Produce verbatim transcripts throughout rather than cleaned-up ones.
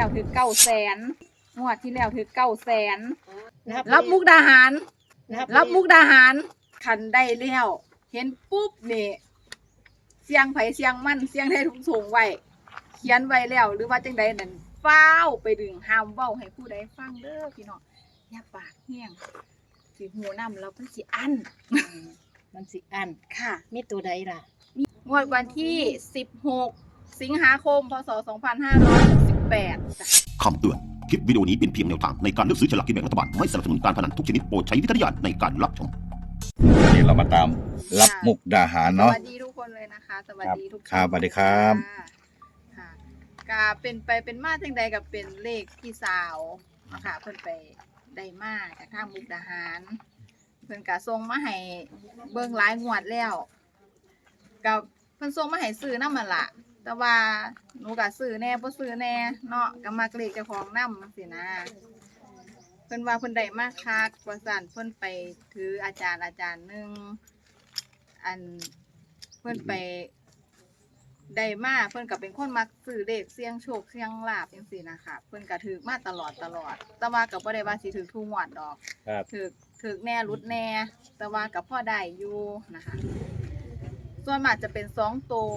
แล้วถือเก้าแสนงวดที่แล้วถือเก้าแสนรับมุกดาหารรับมุกดาหารคันได้แล้วเห็นปุ๊บนี่เสียงไผเสียงมันเสียงได้ทุกส่งไว้เขียนไว้แล้วหรือว่าจังใดนั่นฟ้าวไปดึงห้ามเว้าให้ผู้ใดฟังเด้อพี่น้องอย่าปากแห้งสิหูนำแล้วมันสิอั้นมันสิอันค่ะมีตัวใดล่ะงวดวันที่สิบหกสิงหาคมพศสองพันห้าร้อยหกสิบแปดคำเตือนคลิปวิดีโอนี้เป็นเพียงแนวทางในการเลือกซื้อฉลากกินแบ่งรัฐบาลไม่สนับสนุนการพนันทุกชนิดโปรดใช้วิจารณญาณในการรับชมวันนี้เรามาตามรับมุกดาหารเนาะสวัสดีทุกคนเลยนะคะสวัสดีทุกคนครับสวัสดีครับค่ะก็เป็นไปเป็นมาจังใดกับเป็นเลขพี่สาวค่ะเพิ่นไปได้มาจากทางมุกดาหารเพิ่นก็ส่งมาให้เบิ่งหลายงวดแล้วกับเพิ่นส่งมาให้ซื้อนำมันล่ะแต่ว่าหนูก็ซื้อแน่บ่ซื้อแน่เนาะก็มักเลขเจ้าของนำจังซี่นะเพิ่นว่าเพิ่นได้มาคักว่าซั่นเพิ่นไปถืออาจารย์อาจารย์นึงอันเพิ่นไปได้มาเพิ่นก็เป็นคนมักซื้อเลขเสี่ยงโชคเสี่ยงลาภจังซี่นะคะเพิ่นก็ถือมาตลอดตลอดแต่ว่าก็บ่ได้ว่าสิถือทุกงวดดอกครับถือถือแน่รุดแน่แต่ว่าก็พอได้อยู่นะคะส่วนมากจะเป็นสองตัว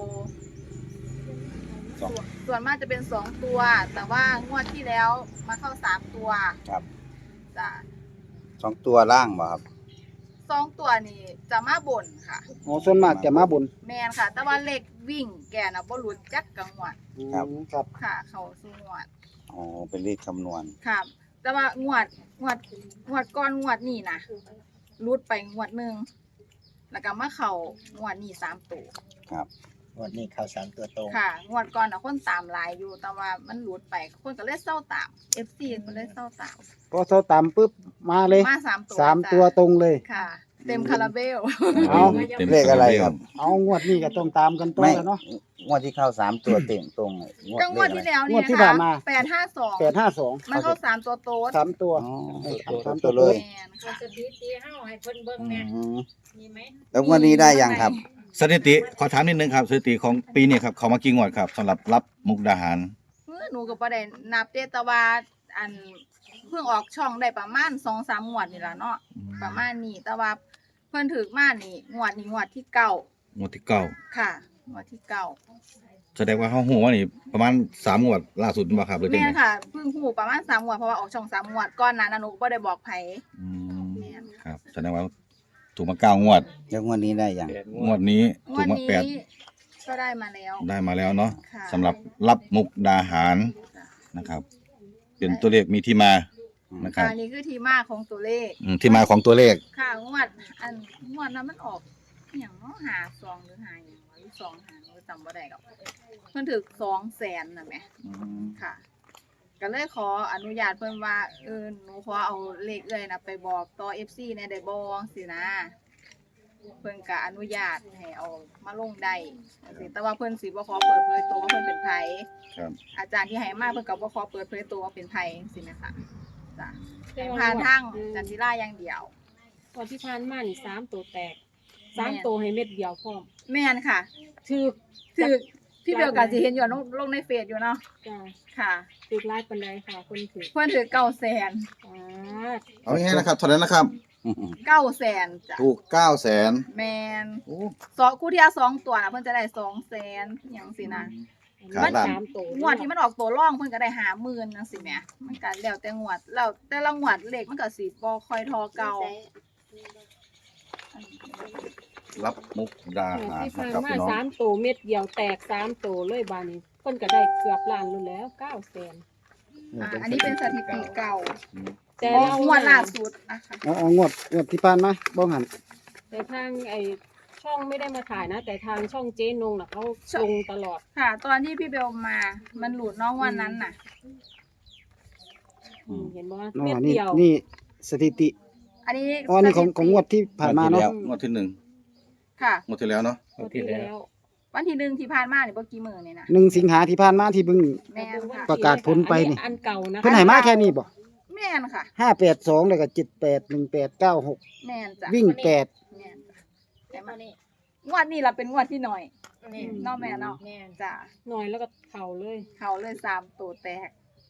ส่วนมากจะเป็นสองตัวแต่ว่างวดที่แล้วมาเข้าสามตัวครับจ้ะสองตัวล่างบ่ครับสองตัวนี่จะมาบนค่ะอ๋อส่วนมากจะมาบนแมนค่ะแต่ว่าเลขวิ่งแกน่ะบ่หลุดจักกังวดครับครับค่ะเขาสู่งวดอ๋อเป็นเลขคำนวณครับแต่ว่างวดงวดงวดก่อนงวดนี้นะหลุดไปงวดนึงแล้วก็มาเข้างวดนี้สามตัวครับงวดนี้เข้าสามตัวตรงค่ะงวดก่อนน่ะคนตามหลายอยู่แต่ว่ามันหลุดไปคนก็เลยเซาตาม เอฟ ซี เพิ่นเลยเซาตามพอเขาตามปุ๊บมาเลยมาสามตัวสามตัวตรงเลยค่ะเต็มคาราเบลเอาเลขอะไรครับเอางวดนี้ก็ต้องตามกันต่อแล้วเนาะงวดที่เข้าสามตัวเต็มตรงก็งวดที่แล้วนี่นะคะแปดห้าสองแปดห้าสองมันเข้าสามตัวโต๊ดสามตัวสามตัวเลยสถิติเฮาให้เพิ่นเบิ่งแน่มีมั้ยแล้วงวดนี้ได้ยังครับสถิติขอถามนิดนึงครับสถิติของปีนี้ครับเขามากี่งวดครับสำหรับรับมุกดาหารเมื่อหนูก็บ่ได้นับเด้แต่ว่าอันเพิ่งออกช่องได้ประมาณ สองสาม งวดนี่ล่ะเนาะประมาณนี้แต่ว่าเพิ่นถึกมานี่งวดนี้งวดที่เก้างวดที่เก้าค่ะงวดที่เก้าแสดงว่าเฮาฮู้ว่านี่ประมาณสามงวดล่าสุดบ่ครับหรือจังได๋แม่นค่ะเพิ่งฮู้ประมาณสามงวดเพราะว่าออกช่องสามงวดก่อนหน้านั้นหนูบ่ได้บอกไผอืมแม่นครับแสดงว่าถูกมาเก้างวดแล้วงวดนี้ได้ยังงวดนี้ถูกมาแปดก็ได้มาแล้วได้มาแล้วเนาะสำหรับรับมุกดาหารนะครับเป็นตัวเลขมีที่มานะครับอันนี้คือที่มาของตัวเลขอืมที่มาของตัวเลขค่ะงวดอันงวดนั้นมันออกอหยังเนาะหาซองหรือหาหยังหรือสองหาหนูจำบ่ได้ดอกเพิ่นถึก สองแสน น่ะแหมค่ะก็เลยขออนุญาตเพิ่นว่าเออหนูขอเอาเลขเอ้ยน่ะไปบอกต่อ เอฟ ซี แหน่ได้บ่สินะเพิ่นก็อนุญาตให้เอามาลงได้แต่ว่าเพิ่นสิบ่ขอเปิดเผยตัวว่าเพิ่นเป็นไผครับอาจารย์ที่ให้มาเพิ่นก็บ่ขอเปิดเผยตัวว่าเป็นไผจังซี่แม่ค่ะจ้ะผ่านทางจันทิราอย่างเดียวตอนที่ผ่านมานี่สามตัวแตกสามตัวให้เม็ดเดียวพร้อมแม่นค่ะถูกถูกพี่เบลก็สิเห็นอยู่ลงในเฟซอยู่เนาะจ้ะค่ะถูกหลายปานใดค่ะคนถูกเพิ่นถูกเก้าแสนอ๋อเอาง่ายๆนะครับเท่านั้นนะครับเก้าแสนจ้ะถูกเก้าแสนแม่นโอ้สองคู่ที่สองตัวน่ะเพิ่นจะได้สองแสนหยังสินะมันสามตัวงวดที่มันออกตัวร่องเพิ่นก็ได้ห้าหมื่นจังซี่แหมมันก็แล้วแต่งวดแล้วแต่ละงวดเลขมันก็สิบ่ค่อยเท่าเก่ารับมุกดาหารที่ผ่านนะครับมาพี่น้องสามตัวเม็ดเดียวแตกสามตัวเลยบาดนี้เพิ่นก็ได้เกือบล้านนู่นแล้วเก้าแสนอ่าอันนี้เป็นสถิติเก่าแต่งวดล่าสุดนะคะอ๋องวดงวดที่ผ่านมาบ่หันแต่ทางไอ้ช่องไม่ได้มาถ่ายนะแต่ทางช่องเจ๊นงน่ะเขาลงตลอดค่ะตอนที่พี่เบลมามันหลุดน้องวันนั้นน่ะเห็นบ่เม็ดเดียวนี่สถิติอันนี้อ๋อนี่ของของงวดที่ผ่านมาเนาะงวดที่หนึ่งค่ะงวดที่แล้วเนาะงวดที่แล้ววันที่หนึ่งที่ผ่านมานี่บ่กี่มื้อนี่นะหนึ่งสิงหาที่ผ่านมาที่เพิ่งประกาศผลไปนี่อันเก่านะเพิ่นให้มาแค่นี้บ่แม่นค่ะห้าแปดสองแล้วก็เจ็ดแปดหนึ่งแปดเก้าหกแม่นจ้ะวิ่งแปดแม่นแต่มานี่งวดนี้ล่ะเป็นงวดที่หน่อยเนาะแม่เนาะจ้ะหน่อยแล้วก็เข้าเลยเข้าเลยสามตัวแตก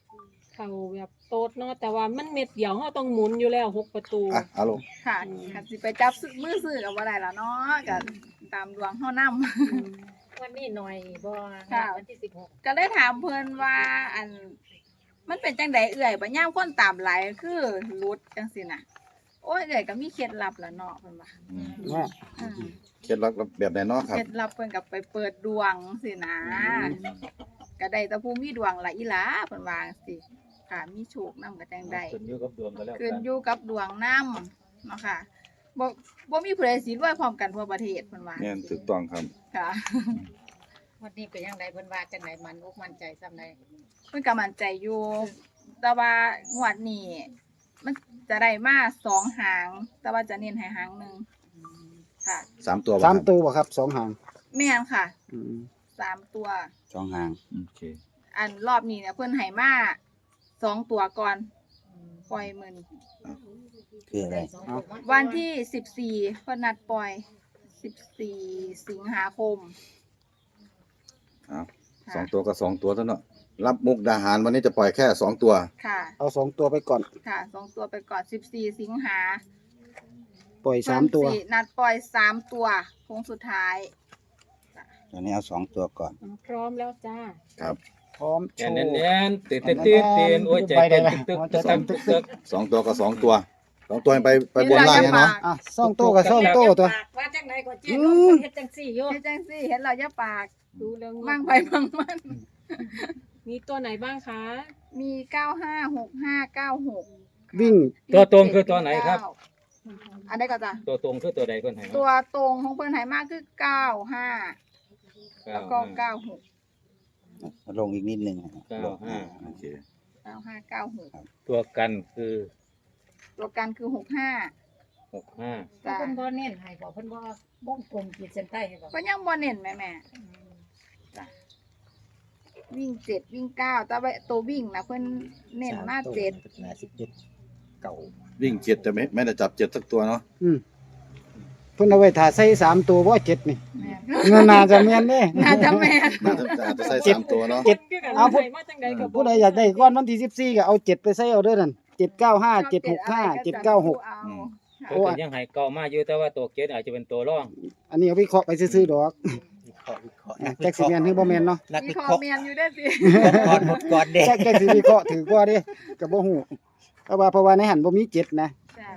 เขาแบบโตดเนาะแต่ว่ามันเม็ดเดียวเราต้องหมุนอยู่แล้วหกประตูอ่ะเอาลงค่ะคันสิไปจับซื้อมือซื้อก็บ่ได้ล่ะเนาะก็ตามดวงเฮานำวันนี้หน่อยบ่ค่ะวันที่สิบหกก็เลยถามเพิ่นว่าอันมันเป็นจังไดเอื่อยบ่ยามคนตามหลายคือหลุดจังซี่น่ะโอ้ยเอื่อยก็มีเคล็ดลับล่ะเนาะเพิ่นว่าอืมว่าอืมเคล็ดลับแบบไหนเนาะครับเคล็ดลับเพิ่นก็ไปเปิดดวงสินะก็ได้แต่ผู้มีดวงละอีหลาเพิ่นว่าจังซี่ค่ะมีโชคนำก็จังได๋ขึ้นอยู่กับดวงก็แล้วขึ้นกันอยู่กับดวงนำเนาะค่ะบ่บ่มีผู้ใดสิรวยพร้อมกันทั่วประเทศเพิ่นว่าแม่นถูกต้องครับค่ะวันนี้เป็นยังไงเพิ่นว่าจังไดมันอกมั่นใจซำใดเพิ่นก็มั่นใจอยู่แต่ว่างวดนี้มันจะได้มาสองหาง แต่ว่าจะเน้นให้หางหนึงค่ะสามตัวบ่สามครับตัวบ่ครับสองหางแม่นค่ะอืมสามตัวสองหางโอเคอันรอบนี้เนี่ยเพิ่นให้มาสองตัวก่อนปล่อยมื้อนี้คืออะไรวันที่สิบสี่เพิ่นนัดปล่อยสิบสี่สิงหาคมครับค่ะสองตัวก็สองตัวเท่านั้นเนาะรับมุกดาหารวันนี้จะปล่อยแค่สองตัวค่ะเอาสองตัวไปก่อนค่ะสองตัวไปก่อนสิบสี่สิงหาปล่อยสามตัวเพิ่นสินัดปล่อยสามตัวโค้งสุดท้ายตอนนี้เอาสองตัวก่อนพร้อมแล้วจ้าครับพร้อมโชแอนว์แน่นแน่นตื่นเต้นตื่นเต้นโอ้ยใจเต้นตึกตึกตึกตึกตึกตึกสองตัวก็สองตัวสองตัวไปไปบนล่างเนี่ยเนาะอ่ะสองตัวกับสองตัวตัวว่าจังไดก็เจ๊อืน้องมเฮ็ดจังซี่อยู่เฮ็ดจังซี่เห็นเราอย่าปากดูเรื่องมั่งไปมั่งมันมีตัวไหนบ้างคะมีเก้าห้าหกห้าเก้าหกวิ่งตัวตรงคือตัวไหนครับอันใดก็จ้ะตัวตรงคือตัวใดคนไหนตัวตรงของเพิ่นให้มากคือเก้าห้าแล้วก็เก้าหกลงอีกนิดนึงเก้าห้าโอเคเก้าห้าเก้าหกตัวกันคือตัวกันคือหกห้าหกห้าจ้ะเพิ่นบ่เน้นให้บ่เพิ่นบ่วงกลมขีดเส้นใต้ให้บ่ก็ยังบ่เน้นแม่แม่จ้ะวิ่งเจ็ดวิ่งเก้าแต่ว่าตัววิ่งนะเพิ่นเน้นมาเจ็ดนาสิบเจ็ดเก่าวิ่งเจ็ดแต่ไม่ไม่ได้จับเจ็ดสักตัวเนาะอืมเพิ่นเอาไว้ถ่าใส่สามตัวบ่เจ็ดนี่แม่นเงินน่าจะแม่นเด้น่าจะแม่นน่าจะอาจจะใส่สามตัวเนาะเจ็ดเอาเอาผู้ผู้มาจังไดก็บ่ผู้ใดอยากได้ก้อนวันที่สิบสี่ก็เอาเจ็ดไปใส่เอาเด้อนั่นเจ็ดเก้าห้าเจ็ดหกห้าเจ็ดเก้าหกเอาตัวเป็นยังไงเก่ามากอยู่แต่ว่าตัวเกตอาจจะเป็นตัวร่องอันนี้เอาวิเคราะห์ไปซื้อๆดอกวิเคราะห์วิเคราะห์อ่ะแจ็คสิแม่นหรือบ่แม่นเนาะนักมีวิคอเคราะห์เมียนอยู่ได้อสิก่อนหมดก่อนเด็กแจ็คแจ็คสิวิเคราะห์ถือกว่าเด้ก็บ่ฮู้เพราะว่าเพราะว่าในหันบ่มีเจ็ดนะจ้ะ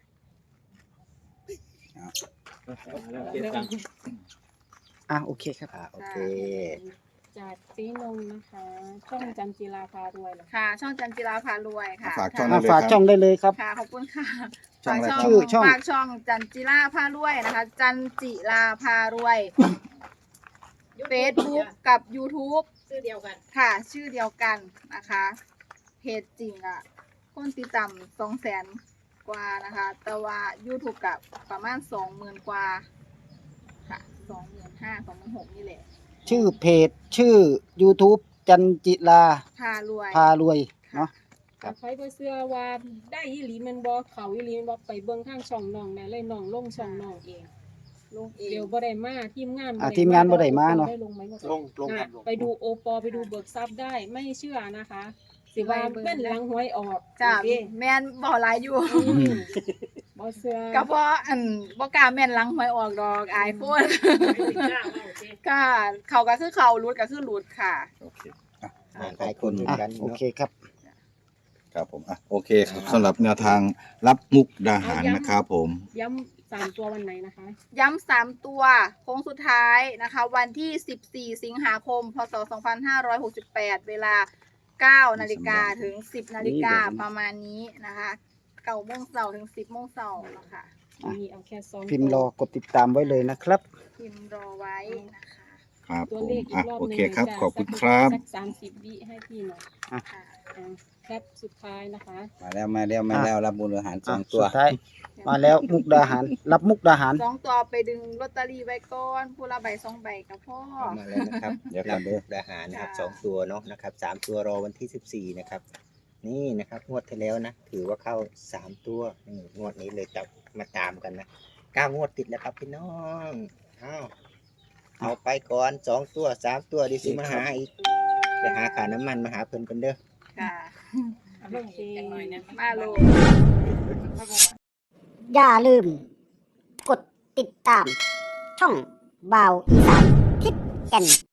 เจ็ดตังอ่ะโอเคครับอ่าโอเคจากซีนงนะคะ ช่องจันจิราพารวยเหรอค่ะ ช่องจันจิราพารวยค่ะฝากช่องอ่ะได้เลยฝากคช่รัอบ งได้เลยครับค่ะขอบคุณค่ะช่องอะไรฝากครับชื่อช่องฝากช่องจันจิราพารวยนะคะ จันจิราพารวย Facebook กับ YouTube ชื่อเดียวกันค่ะ ชื่อเดียวกันนะคะ เพจจริงอ่ะ คนติดตามสองแสนกว่านะคะ แต่ว่า YouTube กับประมาณสองหมื่นกว่า ค่ะสองหมื่นห้าสองหมื่นหกนี่แหละชื่อเพจชื่อ YouTube จันจิราพารวยพารวยเนาะถ้าใครบ่เชื่อว่าได้อีหลีแมันบ่เขาอีหลีแมันบ่ไปเบิ่งทางช่องน้องแน่เลยน้องลงช่องน้องเองลงเอเดี๋งยวบ่ได้มาทีมงานอ่ะทีมงานบ่ได้มาเนาะได้ลงไหมบ่ลงลงไปดูโอปอไปดูเบิกทรัพย์ได้ไม่เชื่อนะคะ สิว่าเพิ่นหลังหวยออกจ้าโอเคแม่นบ่หลายอยู่อืมบ่เชื่อก็เพราะอันบ่กล้าแม่นหลังหวยออกดอกอายคน ก็เขาก็คือเขารุดก็คือรุดค่ะโอเคหลายคนเหมืออ่ะนกันโอเนาะเคครับครับผมอ่ะโอเคครับสำหรับแนวทางรับมุกดาหารนะครับผมย้ำสามตัววันไหนนะคะย้ำสามตัวโค้งสุดท้ายนะคะ วันที่สิบสี่สิงหาคมพศสองพันห้าร้อยหกสิบแปดเวลาเก้านาฬิกาถึงสิบนาฬิกาประมาณนี้นะคะเก้าโมงเช้าถึงสิบโมงเช้านะคะมีเอาแค่สองพิมพ์รอกดติดตามไว้เลยนะครับพิมพ์รอไว้นะคะครับตัวผมเลขอีอ่ะกรอบโอหนึงเคครับจ้ะขอบคุณครับสักสามสิบวิให้พี่หน่อยค่ะอ่ะแคปสุดท้ายนะคะมาแล้วมาแล้วมาแล้วรับบุญอาหารสองอ่ะตัวสุดท้ายมาแล้วมุกดาหาร รับมุกดาหารสองตัวไปดึงลอตเตอรี่ไว้ก่อนผู้ละใบสองใบกับพ่อมาแล้วนะครับเดี๋ยวกันเด้ออาหารนะครับจ้าสองตัวเนาะนะครับสามตัวรอวันที่สิบสี่นะครับ นี่นะครับงวดที่แล้วนะถือว่าเข้าสามตัวนี่งวดนี้เลยจับมาตามกันนะเก้างวดติดแล้วครับพี่น้องอ้าวเอาไปก่อนสองตัวสามตัวดิสิมาหาอีกไปหาขาน้ำมันมาหาเพิ่นกันเด้อค่ะโอเคมาโลดอย่าลืม กดติดตาม ช่องบ่าวอีสานทิศแก่น